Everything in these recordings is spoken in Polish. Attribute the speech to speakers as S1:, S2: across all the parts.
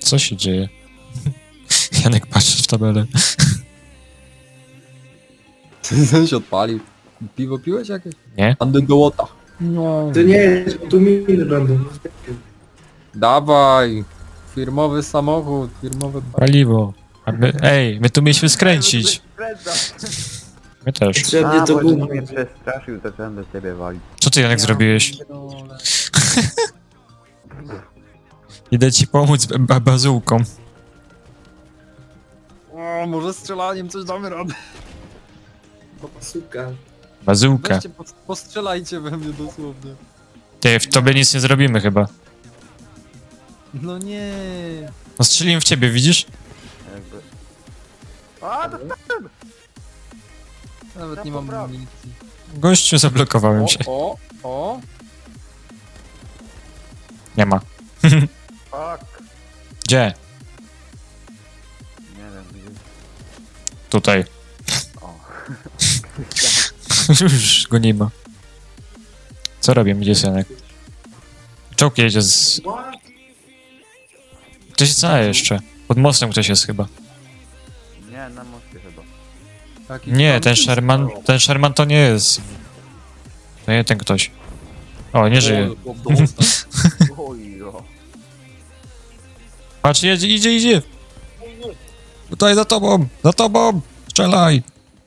S1: Co się dzieje? Janek patrzy w tabelę.
S2: Ten się odpalił. Piwo piłeś jakieś?
S1: Nie?
S2: Andy do łota.
S3: No.
S4: To nie, tu miny będą.
S2: Dawaj! Firmowy samochód, firmowe...
S1: Paliwo. A my, ej, my tu mieliśmy skręcić. My też.
S4: Potrzebnie to
S3: bo
S4: gumę.
S3: mnie przestraszył, to chciałem do ciebie walić.
S1: Co ty, Janek, zrobiłeś? Idę ci pomóc bazułką.
S2: O, może strzelaniem coś damy radę.
S4: Suka.
S1: Bazułkę.
S2: Weźcie, postrzelajcie we mnie dosłownie.
S1: Ty, w tobie nic nie zrobimy chyba.
S2: No nie.
S1: No strzeliłem w ciebie, widzisz?
S3: Jakby... A, to
S2: Nawet nie mam amunicji.
S1: Gościu, zablokowałem się.
S2: O.
S1: Nie ma.
S3: fuck.
S1: Gdzie?
S3: Nie wiem, gdzie...
S1: Tutaj.
S3: O.
S1: Już go nie ma. Co robię? Gdzie jest Janek? Czołg jedzie z... Ktoś co jeszcze? Pod mostem ktoś jest chyba.
S3: Nie, na moście chyba.
S2: Taki
S1: Nie,
S2: tam-
S1: ten Sherman to nie jest. To nie ten ktoś. O, nie żyje.
S2: O, do usta.
S3: Ojo.
S1: Patrz, idzie. Tutaj za tobą, strzelaj.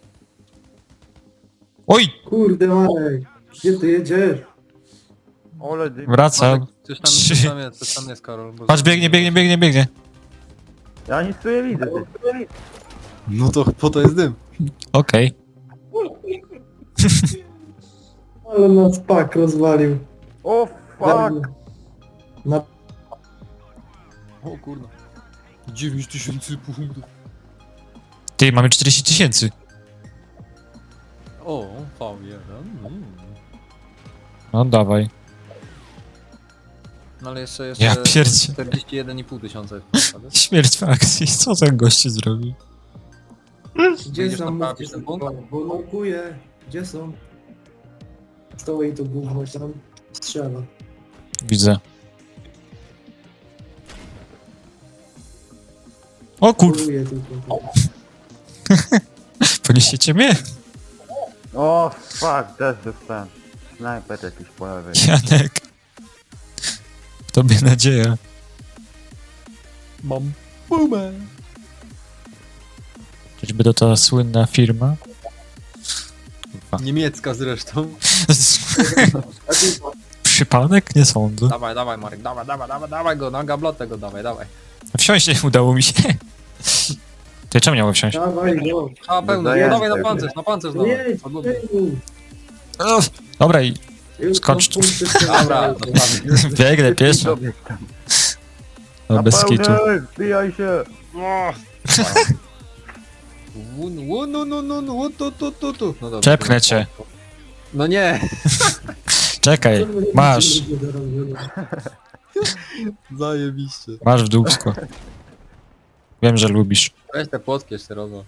S1: Oj,
S4: Kurde Marek, gdzie ty jedziesz?
S3: Ole dym.
S1: wracam.
S2: Coś tam jest, Karol. bo-
S1: Patrz, biegnie.
S3: Ja nic tu nie widzę. Ty.
S2: No to po to jest dym.
S1: Okej.
S4: Ale nas pak rozwalił.
S3: O fuck.
S4: Na...
S2: O kurna. 9000 punktów.
S1: Ty, mamy 40 000.
S2: O, V1.
S1: No dawaj.
S2: No ale jeszcze
S1: Ja pierdzie.
S2: 41,5 tysiąca.
S1: Śmierć w akcji. Co ten gościu zrobił?
S4: Gdzie
S2: Będziesz
S4: są?
S2: naprawić ten punkt?
S4: Bo nokuje. Gdzie są? Stoi to gówno tam strzela.
S1: Widzę. O kur...
S4: Poluje tylko.
S1: Poniesiecie mnie?
S3: O fuck, też dostałem. Snajper jakiś po lewej.
S1: Janek. W tobie nadzieja.
S2: Mam bumę.
S1: Czyżby to ta słynna firma?
S2: Niemiecka zresztą.
S4: A ty
S1: Przypadek? Nie sądzę.
S2: Dawaj Marek, dawaj go, na gablotę go dawaj.
S1: Wsiąść nie udało mi się. Ty czemu miałem wsiąść?
S4: dawaj go.
S2: A pełno,
S3: Zajęte.
S2: dawaj na pancerz dawaj.
S4: Nie,
S2: Odlubię.
S1: Dobra, i
S4: Już
S1: Skocz
S4: są
S1: tu.
S4: punkty strzelane.
S2: Dobra, dokładnie.
S1: biegnę pieszo.
S3: Dobieg tam.
S1: No bez kitu.
S3: Wbijaj się.
S2: No dobra.
S1: Czepchnę cię.
S2: No nie,
S1: Czekaj, masz.
S2: zajebiście.
S1: Masz w dupsko. Wiem, że lubisz.
S2: Weź te płotki jeszcze robią.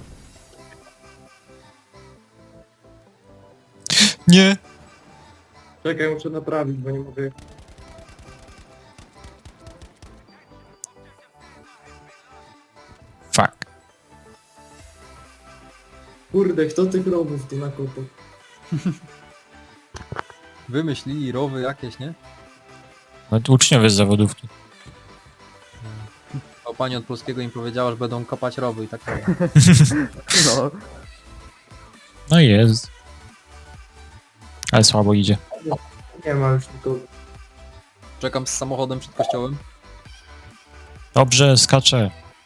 S1: Nie.
S4: Czekaj, muszę naprawić, bo nie mogę.
S1: Fuck.
S4: Kurde, kto tych robów tu nakopał?
S2: Wymyślili rowy jakieś, nie?
S1: No to uczniowie z zawodówki.
S2: A pani od polskiego im powiedziała, że będą kopać rowy i tak dalej.
S3: No.
S1: No i jest. Ale słabo idzie.
S4: Nie ma już nikogo.
S2: Czekam z samochodem przed kościołem.
S1: Dobrze, skaczę.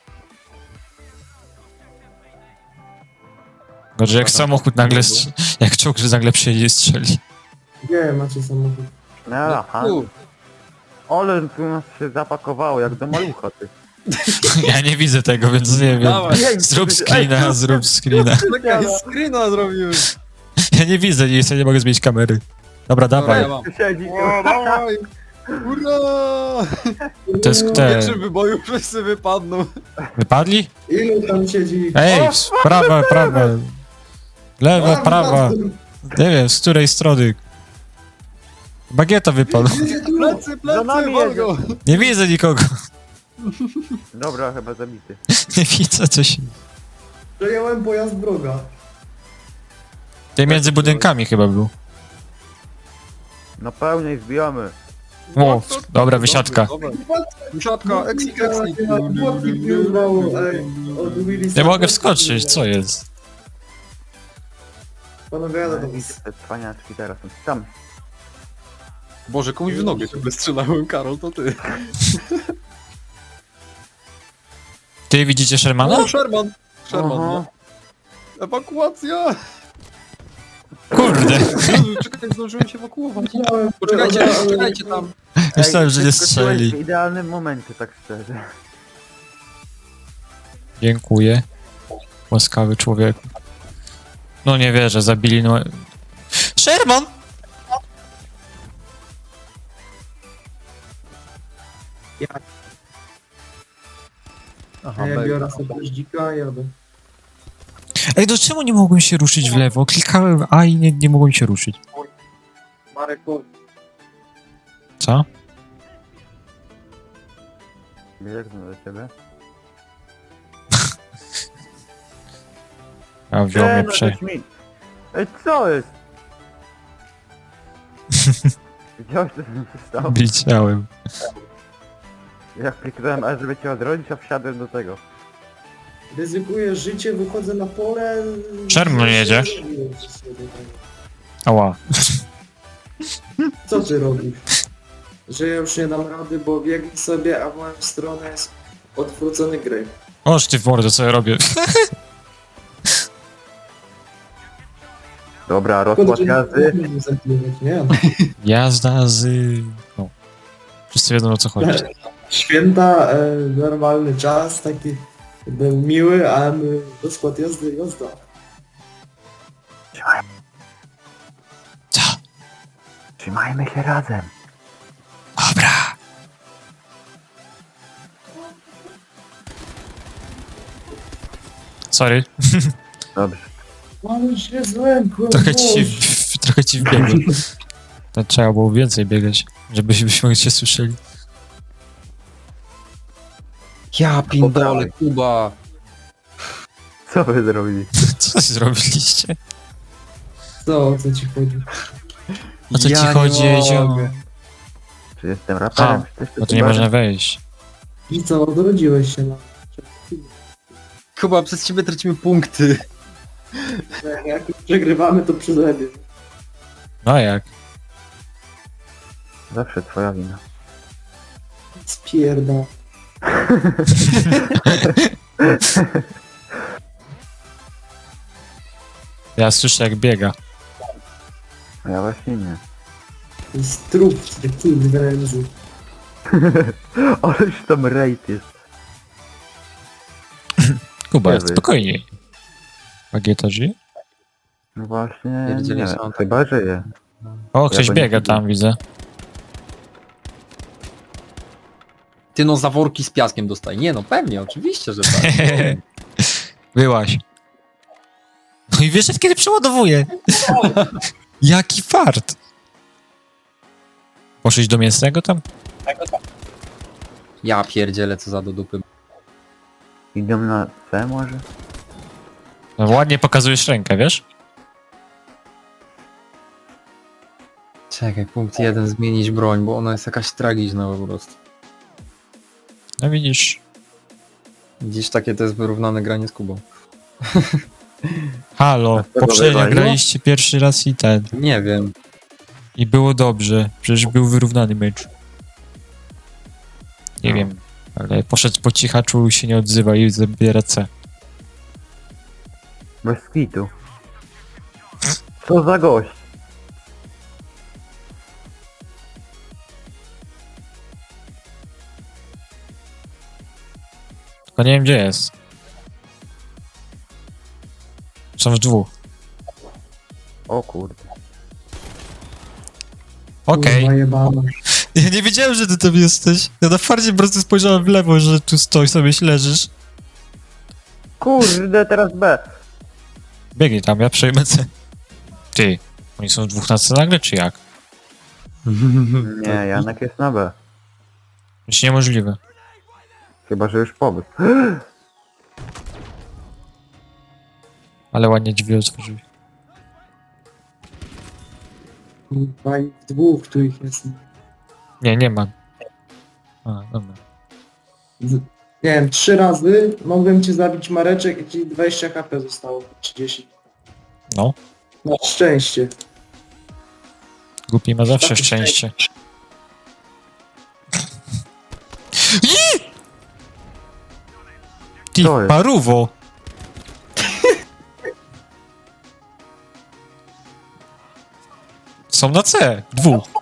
S1: Gorzej jak samochód nagle, jak czołg, że nagle przyjedzie i strzeli.
S4: Gdzie macie samochód?
S3: No, aha. Ale tu nas się zapakowało jak do malucha, ty.
S1: Ja nie widzę tego, więc nie wiem.
S2: Dawaj.
S1: Zrób screena, zrób screena.
S2: Czekaj, screena zrobiłem.
S1: Ja nie widzę nic, ja nie mogę zmienić kamery. Dobra, dawaj.
S2: Ja mam.
S3: Tu siedzi.
S2: O, dawaj! Ura!
S1: To jest
S2: W
S1: te...
S2: pierwszym wyboju wszyscy wypadną.
S1: Wypadli?
S4: Ilu tam siedzi?
S1: Ej, prawa. Lewa, prawa. Nie wiem, z której strony. Bagieta wypadła.
S2: Plecy,
S3: Za nami
S2: wal go!
S1: Nie widzę nikogo.
S3: Dobra, chyba zabity.
S1: Nie widzę coś.
S4: Przejąłem pojazd wroga.
S1: Ty między budynkami chyba był.
S3: No pełniej zbijamy.
S1: O, dobra, wysiadka.
S2: Dobra. Wysiadka, exit.
S4: Płotki pływało, ej. Od Willisa.
S1: Nie mogę wskoczyć, co jest?
S4: Panowie, jadę do was.
S3: Te cwaniaczki teraz są tam.
S2: Boże, komuś w nogę się strzelałem, Karol, to ty.
S1: Ty widzicie Shermana?
S2: No, Sherman! Sherman,
S3: Aha.
S2: no. Ewakuacja!
S1: Kurde.
S2: Jezu, czekaj, zdążyłem się ewakuować. Poczekajcie, czekajcie tam.
S1: Myślałem, że nie
S3: przeskoczyłeś
S1: strzeli.
S3: W idealnym momencie, tak szczerze.
S1: Dziękuję. Łaskawy człowiek. No nie wierzę, zabili no... Sherman!
S2: Aha,
S4: Ja biorę sobie dzika i jadę.
S1: Ej, do czemu nie mogłem się ruszyć w lewo? Klikałem A i nie mogłem się ruszyć.
S4: Marek, chodź.
S1: Co?
S3: Biegnę do ciebie.
S1: A wziął mnie prze...
S3: Ej, co jest? Widziałeś, co mi się stało?
S1: Widziałem.
S3: Jak kliknąłem A, żeby cię odrodzić, a wsiadłem do tego.
S4: Ryzykuję życie, wychodzę na pole...
S1: Sherman jedzie. Ała.
S4: Co ty robisz? Że ja już nie dam rady, bo biegnij sobie, a w moją stronę jest odwrócony gry.
S1: Oż ty w mordę, co ja robię?
S3: Dobra, rozkład jazdy.
S4: Nie,
S1: Jazda z... No. Wszyscy wiedzą, o co chodzi.
S4: Święta, normalny czas, taki był miły, a my rozkład jazdy, jazda.
S1: Co?
S3: Trzymajmy się razem.
S1: Dobra. Sorry.
S3: Dobrze.
S4: Ale się zlękłem,
S1: Trochę ci wbiegłem. To trzeba było więcej biegać, żebyśmy cię słyszeli.
S2: Ja pindole, Kuba.
S3: Co wy zrobili?
S1: Co zrobiliście?
S4: Co, o co ci chodzi?
S1: O co
S2: Ja
S1: ci
S2: nie
S1: chodzi, Edzio?
S2: mogę.
S3: Czy jestem raperem?
S1: A,
S3: Czy też
S1: Bo tu nie można wejść.
S4: I co, odrodziłeś się na...
S2: Kuba, przez ciebie tracimy punkty.
S4: Jak przegrywamy, to przeze mnie.
S1: No a jak?
S3: Zawsze twoja wina.
S4: Spierda.
S1: Ja słyszę jak biega.
S3: A ja właśnie nie.
S4: To jest trup w tym wężu.
S3: Ależ tam rejt jest.
S1: Kuba,
S3: Nie wy.
S1: spokojniej. Bagieta żyje?
S3: No właśnie,
S2: Pierdzieli
S3: nie,
S2: są tak-
S3: chyba żyje.
S1: O, ktoś
S3: go nie
S1: biega
S3: widzę.
S1: tam, widzę.
S2: Ty no za worki z piaskiem dostaje. Nie no, pewnie, oczywiście, że tak.
S1: Byłaś. No i wiesz, kiedy przeładowuje. Jaki fart. Poszłeś do mięsnego tam?
S2: Ja pierdzielę, co za do dupy.
S3: Idą na C może?
S1: No, ładnie pokazujesz rękę, wiesz?
S2: Czekaj, punkt 1, zmienić broń, bo ona jest jakaś tragiczna po prostu.
S1: No widzisz.
S2: Dziś takie to jest wyrównane granie z Kubą.
S1: Halo,
S3: to
S1: poprzednio
S3: wywaliło?
S1: graliście pierwszy raz i ten.
S2: Nie wiem.
S1: I było dobrze. Przecież był wyrównany mecz. Nie
S3: No.
S1: wiem. Ale poszedł po cichaczu i się nie odzywa i zabiera C.
S3: Bez kitu. Co za gość?
S1: Tylko nie wiem gdzie jest. Są w dwóch.
S3: O kurde.
S1: Okej.
S4: Kurwa jebana.
S1: Ja nie wiedziałem, że ty tam jesteś. Ja na farcie po prostu spojrzałem w lewo, że tu stoisz sobie leżysz.
S3: Kurde, teraz B.
S1: Biegnij tam, ja przejmę C. Ty, oni są w dwóch na C nagle, czy jak?
S3: Nie, Janek jest na B.
S1: Już niemożliwe.
S3: Chyba, że już pomysł.
S1: Ale ładnie drzwi otworzyli.
S4: Kurwa, i w dwóch tu ich jest.
S1: Nie, nie ma. A, dobra.
S4: Nie wiem, 3 razy mogłem cię zabić Mareczek i ci 20 HP zostało. 30.
S1: No,
S4: Na szczęście.
S1: głupi ma zawsze
S4: Takie
S1: szczęście. Ty,
S3: Co jest?
S1: paruwo! Są na C, dwóch.